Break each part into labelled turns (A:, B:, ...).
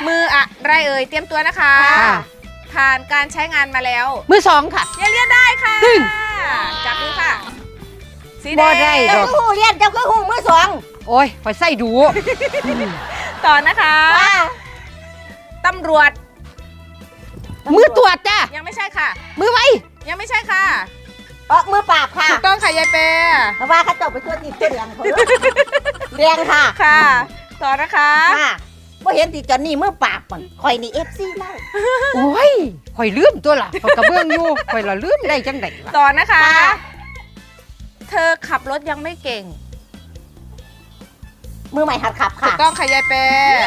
A: มืออะไรเอ่ยเตรียมตัวนะคะผ่านการใช้งานมาแล้ว
B: มือ2ค่ะ
A: เรียนได้ค่ะจับมือค่ะสีแดง
B: เจ้า
C: คือหูเรียนเจ้าคือหูมือ2
B: โอ้ยคอยใส่ดู
A: ต่อนะคะตำรวจ
B: มือตรวจจ้ะ
A: ยังไม่ใช่ค่ะ
B: มือไว
A: ยังไม่ใช่ค่ะ
C: มือปราบค่ะ
A: ถูกต้องค่ะยายเป
C: เพราะว่าเขาจบไปตัวติดตัวเรียนเรียนค่ะ
A: ค่ะต่อนะคะ
C: ว่าเห็นติดจอนนี่มือปราบมันคอยนี่FCเล่า
B: โอ้ยคอยลืมตัวล่ะคอยกระเบื้องอยู่คอยละลืมได้จังได
A: ต่อนะคะเธอขับรถยังไม่เก่ง
C: มือใหม่หัดขับค่ะ
A: ถูกต้องค่ะยายเป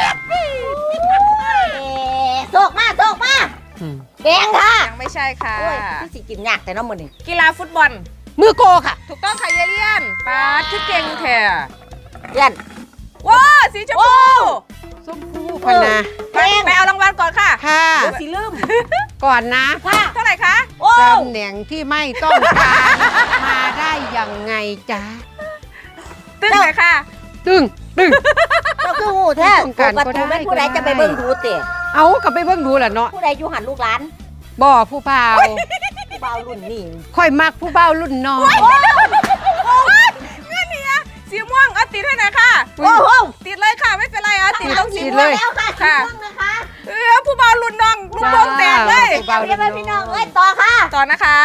C: โศกมาแดงค่ะ
A: ยังไม่ใช่ค่ะ
C: ที่สิกินยากแต่น้ำมันนี่
A: กีฬาฟุตบอล
B: มือโกค่ะ
A: ถูกต้องค่ะยายเลียนป้าที่เก่งแท้
C: เลียน
A: ว้าสีชมพู
B: ชมพูพนะ
A: ไปเอารางวัลก่อนค่ะ
B: ค่ะ
C: สีลืม
B: ก่อนนะ
A: เท่าไหร่คะ
B: ตำแหน่งที่ไม่ต้องการมาได้ยังไงจ๊ะ
A: ตึ้งเลยค่ะ
B: ตึ้ง
C: ก็คือหูแท้ประตูเป็นผู้ใดจะไปเบิ่งดูเตะ
B: เอากลับไปเบิ่งดูแหละเนาะ
C: ผู้ใดอยู่หันลูกหลาน
B: บ่ผู้เบา
C: รุ่นนี่
B: ค่อยมักผู้เบารุ่นน้อย
A: เงี้ยนี่สีม่วงเอาติดให้หน่อยค่ะ
C: โอ้โห
A: ติดเลยค่ะไม่เป็นไรติดตรงสี
C: ม่วงแล้วค่ะ
A: ผู้เบารุ่นน้องลูกโป่งแตกเลย
C: เดี๋ยวพี่น้องต่อค่ะ
A: ต่อนะคะ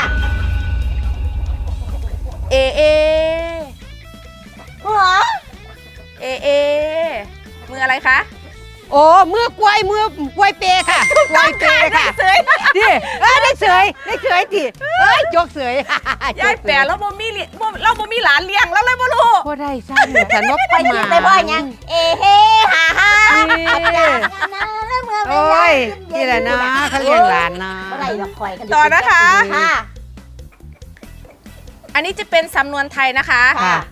A: เอมืออะไรคะ
B: โอ้มือกล้วยเปค่ะกล้วยเปค่ะ
A: เสย
B: ดิได้เสยดิจกเสย
A: ยายแปะแล้วเราบ่มีหลานเลี้ยงแล้วเลยบ่รู้
B: บ่ได้ซ้ำฉันว่า
C: ไปกินไปบ่ยังเฮฮ่า
B: โอ้ยนี่แหละนะเขาเลี้ยงหลานนะ
A: ต่อนะคะอันนี้จะเป็นสำนวนไทยนะคะ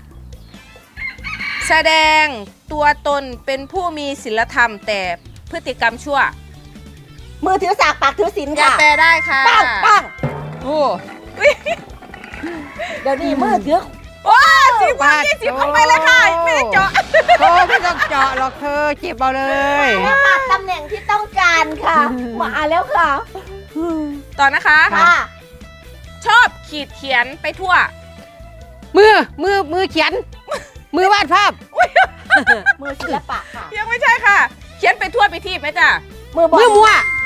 A: แสดงตัวตนเป็นผู้มีศีลธรรมแต่พฤติกรรมชั่ว
C: มือถือสากปากถือศีลค่ะ
A: แปลได้ค่ะ
C: ปัง
B: โอ้
C: เดี๋ยวนี้มือถือ
A: โอ้10เข้าไปเลยค่ะไม่ได้เจาะ
B: ไม่ต้องเจาะหรอกเธอจีบเอาเลย
C: ตำแหน่งที่ต้องการค่ะมาแล้วค่ะ
A: ต่อนะคะชอบขีดเขียนไปทั่ว
B: มือเขียนมือวาดภาพ
C: มือศิลปะค่ะ
A: ยังไม่ใช่ค่ะเขียนไปทั่วไปที่ไหมจ้ะ
B: มือมัวมือ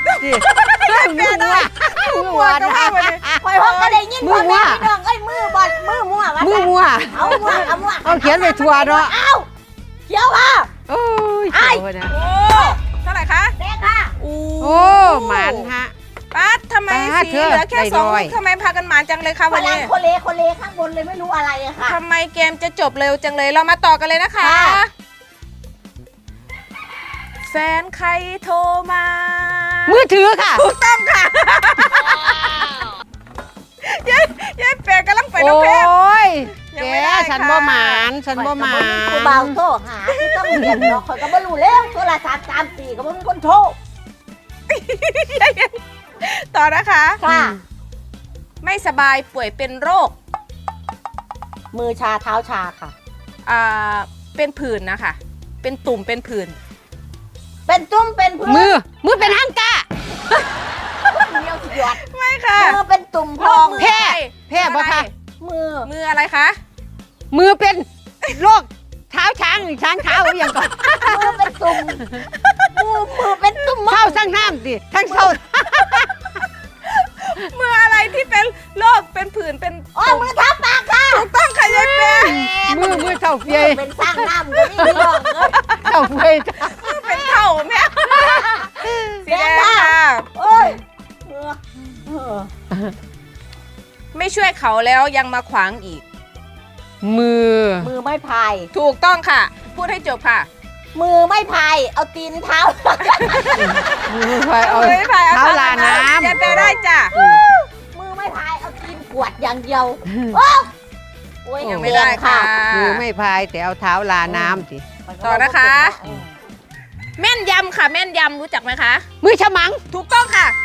C: นะคะคอยห้องก็ได้ยินพ่อแม่พี่น้องมือบอลมือมัวเอา
B: เขียนไปทั่วเนาะ
C: เอาเขียวค่ะ
B: โอ้ยเขียวนะ
A: เท่าไหร่คะ
C: แดงค่ะ
B: โอ้หมานฮะ
A: ป้าทำไมสีเหลือแค่2ทำไมพากันหมานจังเลยคะวันนี้
C: คนเลข้างบนเลยไม่รู้อะไรค่ะ
A: ทำไมเกมจะจบเร็วจังเลยเรามาต่อกันเลยนะคะแฟนใครโทรมา
B: มือถือค่ะ
A: ถูกต้องค่ะยายแปะกำลังไปน้องเพชร
B: โอ้ยแกฉันบ่หมาน
C: กูเบาโทรหาที่ต้องเรียนเนาะคอยก็บ่รู้แล้วโทรศัพท์3-4ก็บ่มีคนโทร
A: ต่อนะคะ
C: ค่ะ
A: ไม่สบายป่วยเป็นโรค
C: มือชาเท้าชาค่ะ
A: เป็นผื่นนะคะเป็นตุ่มเป็นผื่น
C: เป็นตุ่มเป็นผื่น
B: มือเป็นฮังกา
C: เดียวสุดยอด
A: ไม่ค่ะ
C: มือเป็นตุ่มพอง
B: แพ้บ่ค่ะ
A: มืออะไรคะ
B: มือเป็นโรคเท้าช้างเท้าอย่างก่อน
C: มือเป็นตุ่มมือเป็นตุ่ม
B: เท้าสร้างน้ำดิทั้งเท้า
A: มืออะไรที่เป็นโรคเป็นผื่นเป็น
C: มือเท้าปากค่ะ
A: ถูกต้องค่ะยายเป้
B: มือเท้าเฟีย
C: เป็นสร้างน้ำก็นี่ลองเลย
B: เท้าเฟีย
A: เป็นเท้าแม่สีแดงค่ะ
C: โอ้ย
A: ไม่ช่วยเขาแล้วยังมาขวางอีก
B: มือ
C: ไม่พาย
A: ถูกต้องค่ะพูดให้จบค่ะ
C: มือไม่พายเอาตีนเท้า
B: มือพายเอาเท้าลาน้ำ
A: จะไปได้จ้ะ
C: มือไม่พายเอาตีนกวดอย่างเดียวโอ้ย
A: ยังไม่ได้ค่ะ
B: มือไม่พายแต่เอาเท้าลาน้ำสิ
A: ต่อนะคะแม่นยำค่ะแม่นยำรู้จักไหมคะ
B: มือฉมัง
A: ถูกต้องค่ะ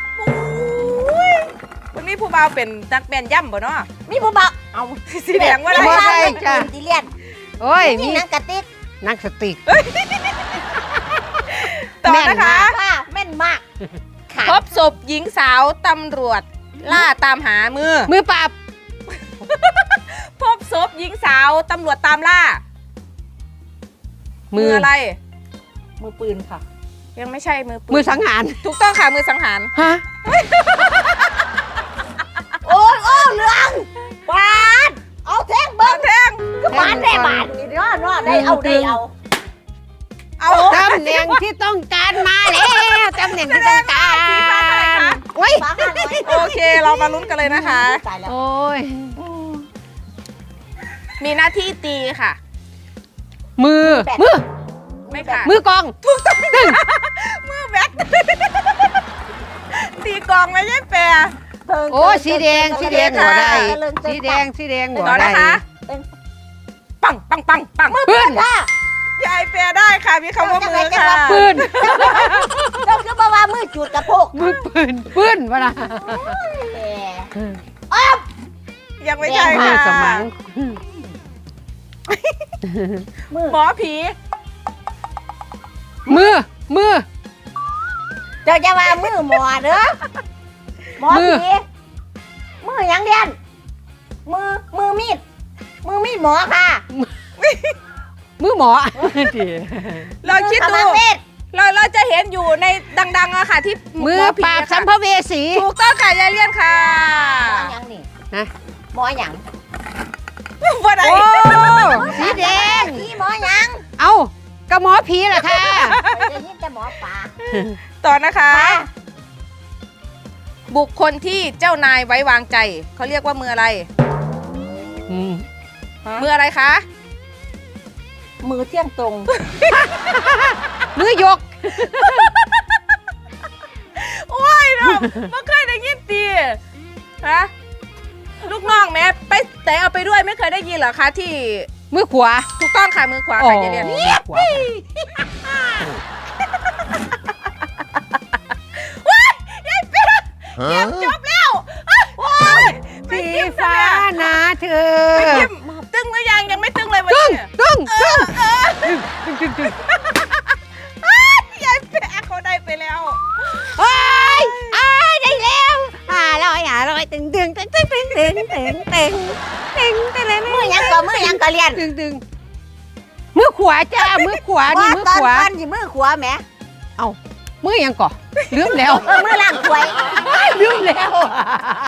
A: วันนี้ผู้บ่าวเป็นนักแม่นยำบ่เนาะ
C: มีผู้บ่าว
A: เอาสีแดงว่าอะไร
C: จ้ะดิเลียน
B: โอ้ย
C: มีนังกระติก
B: นักสติก
A: ต่อนะคะ
C: ค่ะแม่นมากค่ะ
A: พบศพหญิงสาวตำรวจล่าตามหามือ
B: มือปราบ
A: พบศพหญิงสาวตำรวจตามล่า มืออะไร
C: มือปืนค่ะ
A: ยังไม่ใช่มือปืน
B: มือสังหาร
A: ถูกต้องค่ะมือสังหาร
B: ฮะ
C: โอ้ยเหลืองบานเอาแท่งเบิ้ง
A: แท่ง
C: ก็บานได้บานนี่เนาะได้เอา
A: เอา
B: ตำแหน่งที่ต้องการมาแล้วตำแหน่งที่ต้องการ
A: สีฟ้าเท่าไหร่คะ
B: โอ้ย
C: ฟ้าห้าร้อย
A: โอเคเรามาลุ้นกันเลยนะคะ
C: ตายแล้ว
B: โอ้ย
A: มีหน้าที่ตีค่ะ
B: มือ
A: ไม่ผ่าน
B: มือกอง
A: มือแบกตีกลองไม่ใช่แปร
B: โอ้สีแดงสีแดงหัวได้สีแดงสีแดงหัว
A: ต่อ
B: ได้
A: นะคะ ปังปังปังปัง
B: ปืน
C: ค่ะ
A: ยายแปรได้ค่ะมีคำว่ามือค่ะ
B: ปืน
C: ต้องคือบอกว่ามือจุดกระโปง
B: มือปืนวะนะ
A: ยังไม่ใช่
B: มือ
A: ค่ะ
B: สมัง
C: มือ
A: หมอผี
B: มือ
C: เจ้าจะว่ามือหมอเด้อหมอผีมือยังเดียนมือมีดหมอค่ะ
B: มือหมอ
A: เราคิดดู
C: กำลังเวท
A: เราจะเห็นอยู่ในดังๆอะค่ะที่
B: มือ
A: หผี
B: ปราบ
A: อะ
B: สั
A: ค่ะ
B: มภเวสี
A: ถูกต้องค่ะยายเลี่ยนค่ะ
C: หมอยังนี่
B: ฮะ
C: หมอยัง
A: ว่าไหน
B: โอ้สีแดง
C: ผีหมอยัง
B: เอากระหมอผีเหรอคะ
C: ได้ยินแต่หมอปลา
A: ต่อนะคะ
C: ค่ะ
A: บุคคลที่เจ้านายไว้วางใจเขาเรียกว่ามืออะไร มืออะไรคะ
C: มือเที่ยงตรง
B: มือยก
A: โอ้ยเนาะไม่เคยได้ยินตีฮะลูกน้องแม่ไปแต่เอาไปด้วยไม่เคยได้ยินเหรอคะที่
B: มือขวา
A: ถูกต้องค่ะมือขวาค่ะยายเลี่ยน
B: มือขวา
A: จบแล้วโอ้ย
B: สีฟ้านะเธอ
A: ยิ้มตึงหรือยังยังไม่ตึงเลยวัน
B: ตึ้ง
A: นี้
B: ตึ้งตึ้ง
A: ยายแปะเขาได้ไปแล้ว
B: โอ้ยได้แล้ว500ตึงตึงตึงตึงตึงตึงตึงตึงตึงตึง
C: มือยังก็เรียน
B: ตึงตึงมือขวาจ้ามือขวานี่มือ
C: ตอน
B: ขวา
C: ตอนสิมือขวาแหม
B: มือยังก่อลืมแล้ว
C: มือล่างถวย
B: ลืมแล้ว